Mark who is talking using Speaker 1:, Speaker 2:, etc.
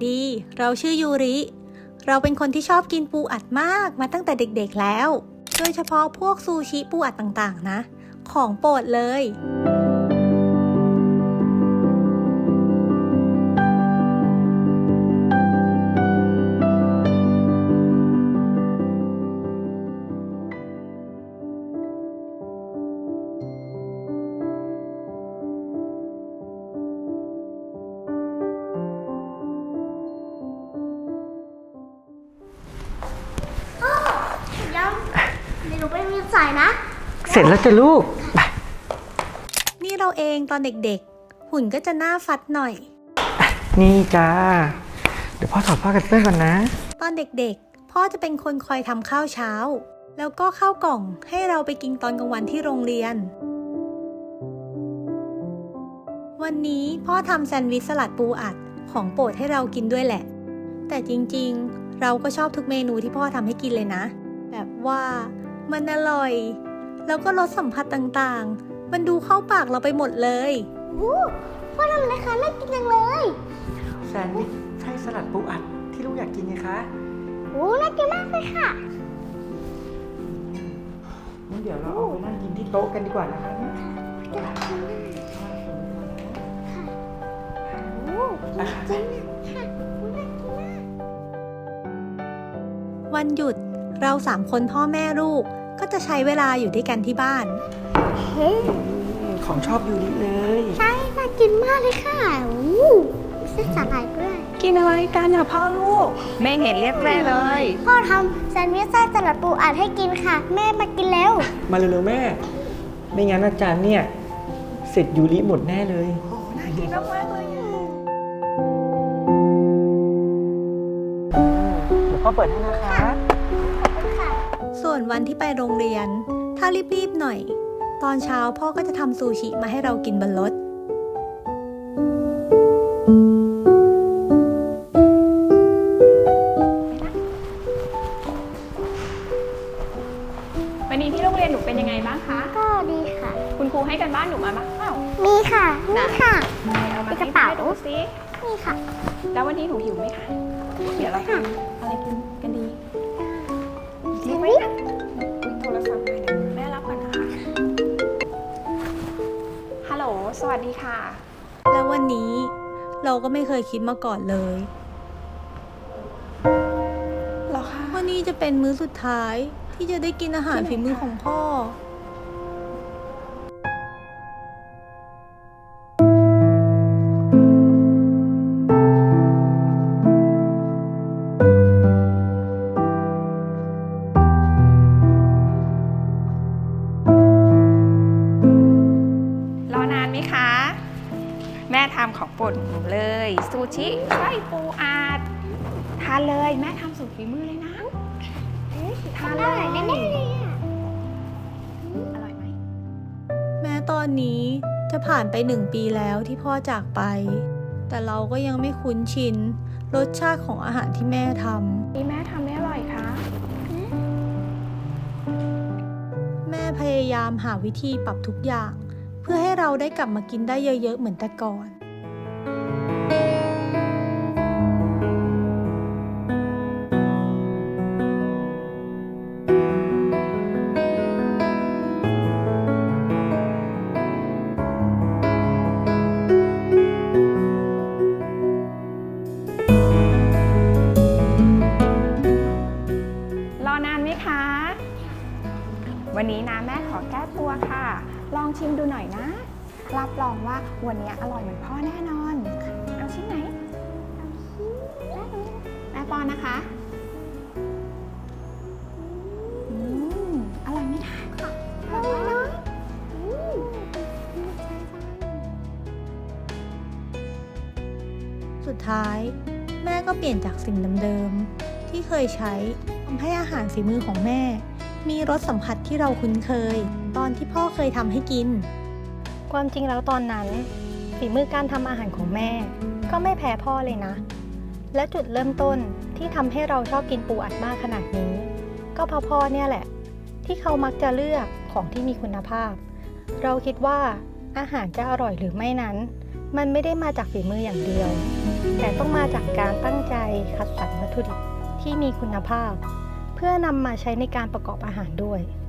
Speaker 1: ดี เราชื่อยูริ เราเป็นคนที่ชอบกินปูอัดมากมาตั้งแต่เด็กๆแล้ว โดยเฉพาะพวกซูชิปูอัดต่างๆนะ ของโปรดเลย
Speaker 2: ยังเดี๋ยวหนูไปมีสายนะ
Speaker 3: เสร็จแล้วจ้ะลูกไป
Speaker 1: นี่เราเองตอนเด็กๆหุ่นก็จะหน้าฟัดหน่อย
Speaker 3: นี่จ้าเดี๋ยวพ่อถอดผ้ากันเปื้อนก่อนนะ
Speaker 1: ตอนเด็กๆพ่อจะเป็นคนคอยทำข้าวเช้าแล้วก็ข้าวกล่องให้เราไปกินตอนกลางวันที่โรงเรียนวันนี้พ่อทำแซนด์วิชสลัดปูอัดของโปรดให้เรากินด้วยแหละแต่จริงๆเราก็ชอบทุกเมนูที่พ่อทำให้กินเลยนะแบบว่ามันอร่อยแล้วก็รสสัมผัสต่างๆมันดูเข้าปากเราไปหมดเลย
Speaker 2: พ่อทำอะไรคะน่ากินจังเลย
Speaker 3: แซนด์วิชไส้สลัดปูอัดที่ลูกอยากกินไงคะ
Speaker 2: น่ากินมากเลยค่ะ
Speaker 3: งั้นเดี๋ยวเราเอาไปนั่งกินที่โต๊ะกันดีกว่านะคะเนี่ย
Speaker 2: จริงค่ะน่ากินมาก
Speaker 1: วันหยุดเรา3 คนพ่อแม่ลูกก็จะใช้เวลาอยู่ด้วยกันที่บ้าน
Speaker 2: เฮ้ย
Speaker 3: ของชอบยูริเลย
Speaker 2: ใช่น่ากินมากเลยค่ะเส้นสาหร่ายด้วย
Speaker 4: กินอะไรกันอ่ะพ่อลูกแม่เห็นเรียกแม่เลย
Speaker 2: พ่อทำแซนด์วิชไส้สลัดปูอัดให้กินค่ะ แม่มากินแล้ว
Speaker 3: มาเร็วๆแม่ ไม่งั้นอาจารย์เนี่ยเสร็จยูริหมดแน่เลย
Speaker 4: น่ากินมากๆเลย
Speaker 3: เดี๋ยวพ่อเปิดให้นะคะ
Speaker 1: ส่วนวันที่ไปโรงเรียนถ้ารีบๆหน่อยตอนเช้าพ่อก็จะทำซูชิมาให้เรากินบนรถ
Speaker 4: วันนี้ที่โรงเรียนหนูเป็นยังไงบ้างคะ
Speaker 2: ก็ดีค่ะ
Speaker 4: คุณครูให้กันบ้านหนูมาบ้างเปล่า
Speaker 2: มีค่ะ นี่ค่ะ
Speaker 4: เอามา
Speaker 2: ในกระเป๋า
Speaker 4: ให้ดูสิ
Speaker 2: นี่ค่ะ
Speaker 4: แล้ววันนี้หนูหิวไหมคะเดี๋ยวเราทำอะไรกินกันดี
Speaker 2: แซนด์วิช
Speaker 4: อุ๊ยโทรศัพท์มาเดี๋ยวแม่รับก่อนนะคะฮัลโหลสวัสดีค่ะ
Speaker 1: แล้ววันนี้เราก็ไม่เคยคิดมาก่อนเลย
Speaker 4: เหรอคะ
Speaker 1: ว่านี่จะเป็นมื้อสุดท้ายที่จะได้กินอาหารฝีมือของพ่อ
Speaker 4: รอนานไหมคะ แม่ทำของโปรดหนูเลยซูชิไส้ปูอัดทานเลยแม่ทำสุดฝีมือเลยนะทาน
Speaker 2: อ
Speaker 4: เล
Speaker 2: ร่อย
Speaker 4: ย
Speaker 2: แน่ๆเลยอ่ะ
Speaker 4: อร่อยไหม
Speaker 1: แม้ตอนนี้จะผ่านไป1 ปีแล้วที่พ่อจากไป แต่เราก็ยังไม่คุ้นชินรสชาติของอาหารที่แม่ท
Speaker 4: นี่แม่ทำได้อร่อยคะ
Speaker 1: ำแม่พยายามหาวิธีปรับทุกอย่าง เพื่อให้เราได้กลับมากินได้เยอะๆเหมือนแต่ก่อน
Speaker 4: รอนานไหมคะ วันนี้นะแม่ขอแก้ตัวค่ะ ลองชิมดูหน่อยนะ รับรองว่าวันนี้อร่อยเหมือนพ่อแน่นอน เอาชิ้นไหนแม่ป้อนนะคะอืมอร่อยไหมคะ
Speaker 2: อร่อยเนาะ
Speaker 1: สุดท้ายแม่ก็เปลี่ยนจากสิ่งเดิมๆที่เคยใช้ทำให้อาหารฝีมือของแม่ มีรสสัมผัสที่เราคุ้นเคย ตอนที่พ่อเคยทำให้กิน ความจริงแล้วตอนนั้นฝีมือการทำอาหารของแม่ ก็ไม่แพ้พ่อเลยนะ และจุดเริ่มต้นที่ทำให้เราชอบกินปูอัดมากขนาดนี้ ก็เพราะพ่อเนี่ยแหละ ที่เขามักจะเลือกของที่มีคุณภาพ เราคิดว่าอาหารจะอร่อยหรือไม่นั้นมันไม่ได้มาจากฝีมืออย่างเดียว แต่ต้องมาจากการตั้งใจคัดสรรวัตถุดิบที่มีคุณภาพ เพื่อนำมาใช้ในการประกอบอาหารด้วย